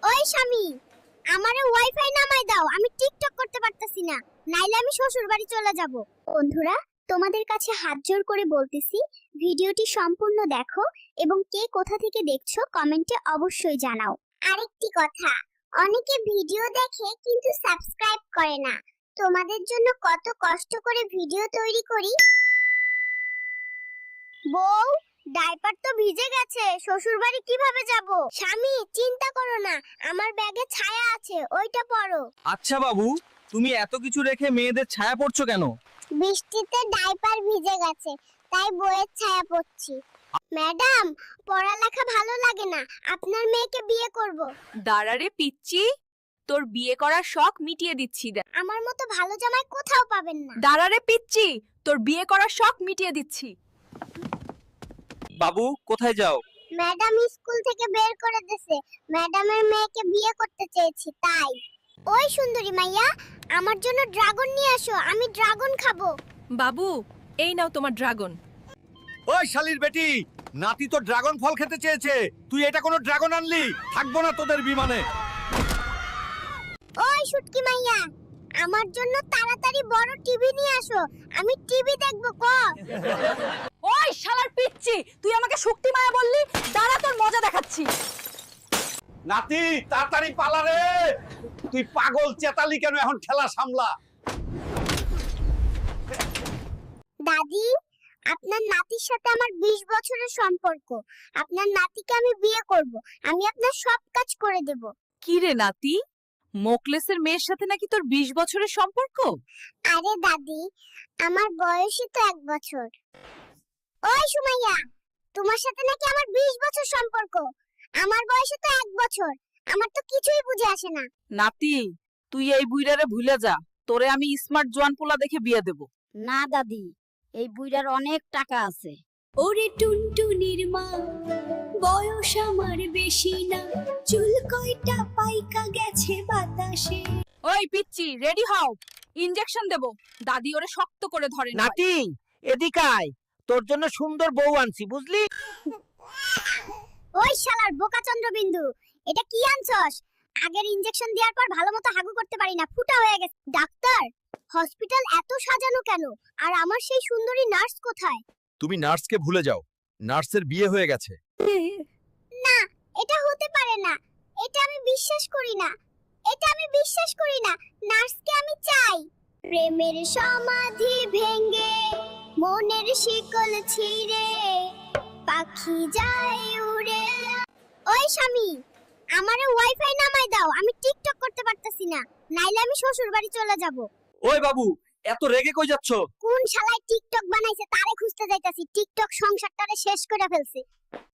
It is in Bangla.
ওই স্বামী, আমারে ওয়াইফাই নামাই দাও, আমি টিকটক করতে পারতাছি না, নাইলে আমি শ্বশুর বাড়ি চলে যাব। বন্ধুরা, তোমাদের কাছে হাত জোড় করে বলতেছি, ভিডিওটি সম্পূর্ণ দেখো এবং কে কোথা থেকে দেখছো কমেন্টে অবশ্যই জানাও। আরেকটি কথা, অনেকে ভিডিও দেখে কিন্তু সাবস্ক্রাইব করে না। তোমাদের জন্য কত কষ্ট করে ভিডিও তৈরি করি। বউ, ডাইপার তো ভিজে গেছে, শ্বশুর বাড়ি কিভাবে যাব? স্বামী, চিন্তা করো না, আমার ব্যাগে ছায়া আছে, ওইটা পরো। আচ্ছা বাবু, তুমি এত কিছু রেখে মেয়েদের ছায়া পড়ছো কেন? বৃষ্টিতে ডাইপার ভিজে গেছে, তাই বইয়ের ছায়া পড়ছি। ম্যাডাম, পড়ালেখা ভালো লাগে না, আপনার মেয়েকে বিয়ে করব। দাঁড়ারে পিচ্চি, তোর বিয়ে করার শখ মিটিয়ে দিচ্ছি। আমার মতো ভালো জামাই কোথাও পাবেন না। দাঁড়ারে পিচ্চি, তোর বিয়ে করার শখ মিটিয়ে দিচ্ছি। বাবু, কোথায় যাও? ম্যাডাম স্কুল থেকে বের করে দিয়েছে, ম্যাডামের মেয়েকে বিয়ে করতে চেয়েছি তাই। ওই সুন্দরী মাইয়া, আমার জন্য ড্রাগন নিয়ে আসো, আমি ড্রাগন খাবো। বাবু, এই নাও তোমার ড্রাগন। ওই শালির বেটি, নাতি তো ড্রাগন ফল খেতে চেয়েছে, তুই এটা কোনো ড্রাগন আনলি? থাকবো না তোদের বিমানে। ওই শুটকি মাইয়া, আমার জন্য তাড়াতাড়ি বড় টিভি নিয়ে আসো, আমি টিভি দেখবো। ওই শালার পিচ্চি, তুই আমাকে শক্তি মায়া বললি? দাঁড়া, তোর মজা দেখাচ্ছি। নাতি, তাড়াতাড়ি পালা রে। তুই পাগল চেতালি কেন? এখন খেলা সামলা। দাদি, আপনার নাতির সাথে আমার 20 বছরের সম্পর্ক, আপনার নাতিকে আমি বিয়ে করব, আমি আপনার সব কাজ করে দেব। কি রে নাতি, মোকলেসের মেয়ের সাথে নাকি তোর 20 বছরের সম্পর্ক? আরে দাদি, আমার বয়সই তো 1 বছর। ওই সুমাইয়া, তোমার সাথে নাকি আমার 20 বছর সম্পর্ক, আমার বয়সে তো 1 বছর, আমার তো কিছুই বুঝে আসে না। নাতি, তুই এই বুইড়ারে ভুলে যা, তোরে আমি স্মার্ট জোয়ান পোলা দেখে বিয়ে দেব। না দাদি, এই বুইড়ার অনেক টাকা আছে। ওরে টুনটুনির মা, বয়স আমার বেশি না, চুল কয়টা পাইকা গেছে বাতাসে। ওই পিচ্চি, রেডি হও, ইনজেকশন দেব। দাদি ওরে শক্ত করে ধরে না। নাতি, এদিকে আয়, তোর জন্য সুন্দর বউ আনছি, বুঝলি? ওই শালার বোকা চন্দ্রবিন্দু, এটা কি আনছস? আগের ইনজেকশন দেওয়ার পর ভালোমতো হাগু করতে পারি না, ফুটা হয়ে গেছে। ডাক্তার, হসপিটাল এত সাজানো কেন? আর আমার সেই সুন্দরী নার্স কোথায়? তুমি নার্সকে ভুলে যাও, নার্সের বিয়ে হয়ে গেছে। না, এটা হতে পারে না, এটা আমি বিশ্বাস করি না, এটা আমি বিশ্বাস করি না। নার্সকে আমি চাই। প্রেমের সমাধি ভেঙে, মনের শিকল ছিঁড়ে, পাখি যায় উড়ে। ওই স্বামী, আমারে ওয়াইফাই নামাই দাও, আমি টিকটক করতে পারতাছি না, নাইলে আমি শ্বশুর বাড়ি চলে যাব। ওই বাবু, এত রেগে কই যাচ্ছ? কোন শালায় টিকটক বানাইছে তারে খুঁজতে যাইতাছি, টিকটক সংসারটারে শেষ করে ফেলছে।